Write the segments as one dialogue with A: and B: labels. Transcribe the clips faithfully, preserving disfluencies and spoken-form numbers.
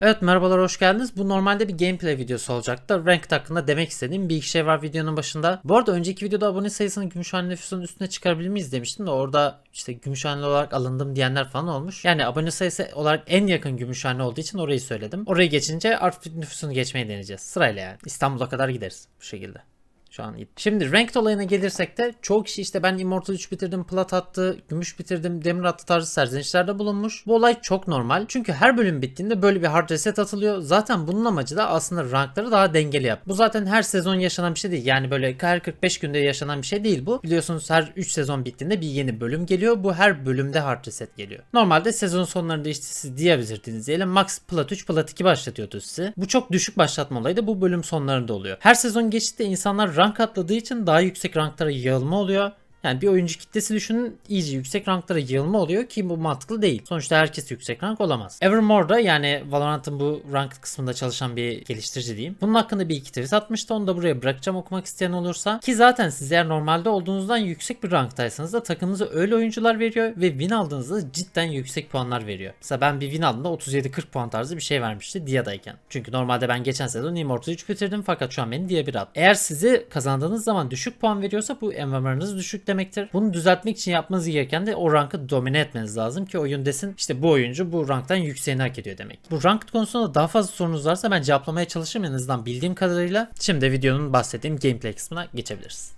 A: Evet, merhabalar, hoş geldiniz. Bu normalde bir gameplay videosu olacaktı. Ranked hakkında demek istediğim bir iki şey var videonun başında. Bu arada önceki videoda abone sayısını Gümüşhane nüfusunun üstüne çıkarabilir miyiz demiştim de orada işte Gümüşhaneli olarak alındım diyenler falan olmuş. Yani abone sayısı olarak en yakın Gümüşhane olduğu için orayı söyledim. Orayı geçince Artvin nüfusunu geçmeyi deneyeceğiz. Sırayla yani. İstanbul'a kadar gideriz bu şekilde. Şu an iyi. Şimdi ranked olayına gelirsek de çoğu kişi işte ben Immortal üç bitirdim, Plat attı, Gümüş bitirdim, Demir attı tarzı serzenişlerde bulunmuş. Bu olay çok normal. Çünkü her bölüm bittiğinde böyle bir hard reset atılıyor. Zaten bunun amacı da aslında rankları daha dengeli yap. Bu zaten her sezon yaşanan bir şey değil. Yani böyle her kırk beş günde yaşanan bir şey değil bu. Biliyorsunuz her üç sezon bittiğinde bir yeni bölüm geliyor. Bu her bölümde hard reset geliyor. Normalde sezon sonlarında işte siz diye bitirdiğiniz diyelim Max Plat üç, Plat iki başlatıyordu sizi. Bu çok düşük başlatma olayı da bu bölüm sonlarında oluyor. Her sezon geçtikçe insanlar rank atladığı için daha yüksek ranklara yığılma oluyor. Yani bir oyuncu kitlesi düşünün, iyice yüksek ranklara yığılma oluyor ki bu mantıklı değil. Sonuçta herkes yüksek rank olamaz. Evermore'da yani Valorant'ın bu ranked kısmında çalışan bir geliştirici diyeyim. Bunun hakkında bir iki tweet atmıştı. Onu da buraya bırakacağım okumak isteyen olursa. Ki zaten siz eğer normalde olduğunuzdan yüksek bir ranktaysanız da takımınıza öyle oyuncular veriyor ve win aldığınızda cidden yüksek puanlar veriyor. Mesela ben bir win aldığımda otuz yedi kırk puan tarzı bir şey vermişti Dia'dayken. Çünkü normalde ben geçen sezon Immortal üç bitirdim fakat şu an beni Dia bir attı. Eğer sizi kazandığınız zaman düşük puan veriyorsa bu M M R'ınız düşük demektir. Bunu düzeltmek için yapmanız gereken de o rankı domine etmeniz lazım ki oyun desin işte bu oyuncu bu ranktan yükseğini hak ediyor demek. Bu ranked konusunda daha fazla sorunuz varsa ben cevaplamaya çalışırım en azından bildiğim kadarıyla. Şimdi videonun bahsettiğim gameplay kısmına geçebiliriz.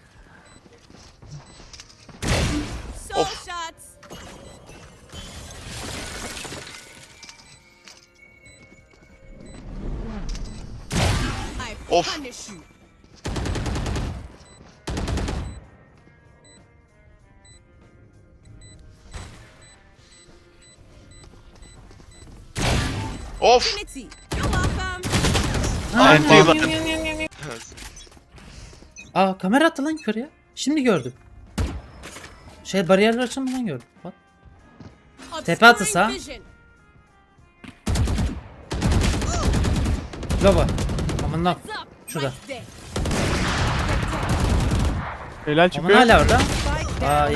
B: Of.
C: Of. Of.
A: Aa, kamera attı lan yukarıya. Şimdi gördüm. Şey bariyerler açılmadan gördüm. Bak. Tepe atısa. Loba. Aman lan. Şurada.
D: Helal
A: Aman
D: çıkıyor.
A: hala orada. Aa,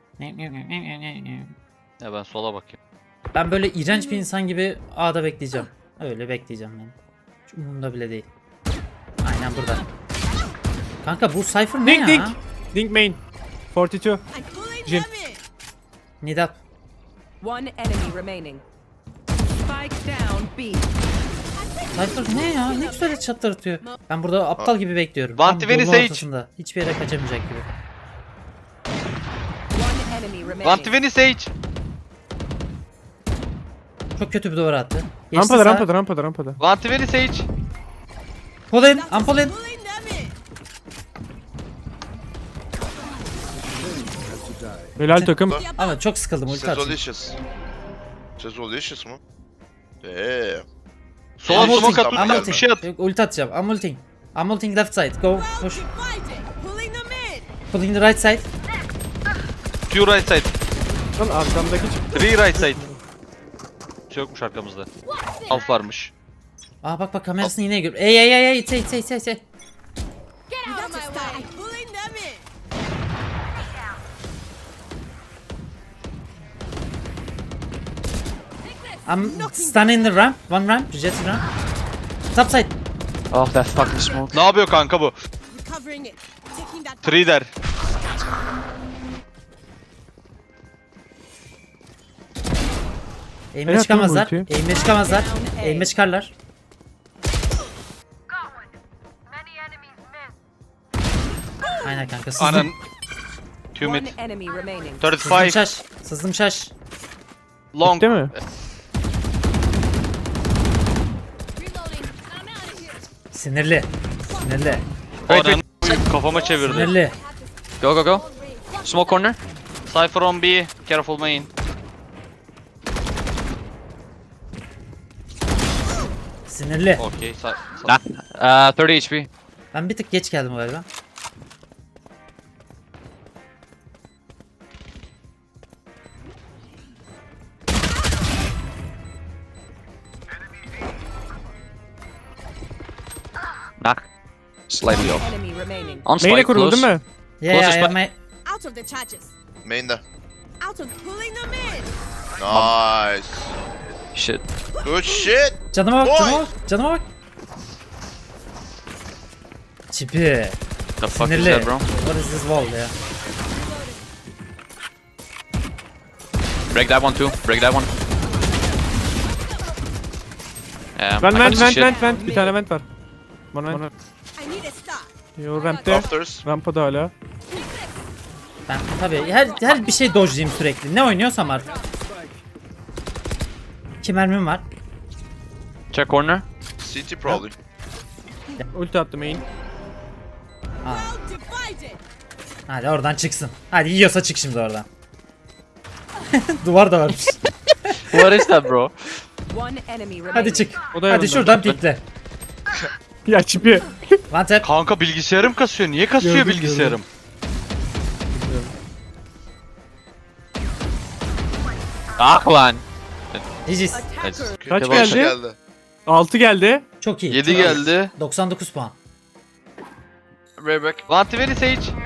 C: Ya ben sola bakayım.
A: ben böyle iğrenç bir insan gibi A'da bekleyeceğim. Öyle bekleyeceğim ben. Hiç umurumda bile değil. Aynen burada. Kanka bu Cypher ne
D: Dink
A: ya?
D: dink. Dink main. kırk iki. Jin.
A: Need up.
B: One enemy remaining. Spike down B.
A: Cypher ne ya? Ne güzel çatır atıyor. Ben burada aptal gibi bekliyorum.
C: Vanti
A: Tam
C: beni
A: yolun
C: Sage.
A: ortasında. Hiçbir yere kaçamayacak gibi.
B: One enemy remaining.
C: Vantiveni Sage.
A: Çok kötü bir duvar attı. Geçti
D: Rampada
A: sağa.
D: rampada rampada rampada.
C: Vantiveni Sage.
A: Pull in. I'm pull in.
D: Helal takım.
A: Ama çok sıkıldım ulti atayım.
E: Sezolicious. Sezolicious mu? Eee.
C: Sola
A: I'm ulting,
C: smoke
A: I'm
C: at. Bir
A: ulting.
C: şey at.
A: Yok, ulti atacağım. I'm ulting. I'm ulting left side. Go. Push. Pulling the right side.
C: Two right side.
D: Lan arkamdaki çıktı.
C: Three right side. Bir şey yokmuş arkamızda. Alf varmış.
A: Aa bak bak kamerasını yine gör. Ey ey ey ey ey ey ey ey. I'm standing in the ramp. One ramp. Jet ramp. Top side.
F: Oh, that fucking smoke.
C: Ne yapıyor kanka bu? Three der.
A: Eğime
D: Evet,
A: çıkamazlar.
D: bu ulti.
A: Eğime çıkamazlar. Eğime çıkarlar. Aynen kanka sızdım.
C: Anan. Two mid.
B: One enemy remaining.
A: Sızdım
C: thirty-five.
A: şaş. Sızdım şaş.
C: Long.
D: Değil mi?
A: Sinirli. Sinirli.
C: Anan kafama çevirdi.
A: Sinirli.
F: Go, go, go. Smoke corner.
C: Cypher on B. Careful main.
A: Sinirli.
C: Okay. Sa
F: Nah. Uh, thirty H P.
A: Ben bir tık geç geldim galiba.
F: Knock. Slightly off.
B: Enemy remaining.
F: On
D: Main'e
F: spike,
D: kuruldu
F: close.
D: değil mi?
A: Yeah, yeah,
F: Closest
A: yeah,
F: by-
A: my...
G: Out of the charges.
E: Main'de.
G: Out of pulling them in.
E: Nice.
F: Shit.
E: Good shit.
A: Canıma bak,
E: Oy!
A: canıma bak, canıma bak. Çipi.
F: The fuck is
A: Sinirli.
F: that, bro?
A: What is this wall ya?
F: Break that one too. Break that one. Yeah,
D: Vent
F: I
D: vent
F: can see
D: vent
F: shit.
D: vent vent. Bir tane vent var. Bana vent. Yo rampte.
E: Afters.
D: Rampada hala.
A: Ben tabii her her bir şey dodge'layım sürekli. Ne oynuyorsam artık. İki mermim var.
F: Check corner.
E: C T probably.
D: Ulti attı main.
A: Hadi oradan çıksın. Hadi yiyorsa çık şimdi oradan. Duvar da varmış.
F: What is that, bro?
B: One enemy remaining.
A: Hadi çık.
D: O da
A: Hadi
D: yanında.
A: şuradan pikle.
D: Ya çipi.
A: One tap.
C: Kanka bilgisayarım kasıyor. Niye kasıyor
D: Gördüm,
C: bilgisayarım?
F: Ah lan.
A: G G's.
B: Attacker.
D: Kaç
F: Devam.
D: geldi?
E: Geldi.
D: altı geldi.
A: Çok iyi.
C: yedi
A: çok iyi.
C: geldi.
A: doksan dokuz puan.
E: Rayback.
C: Lanti veri Sage.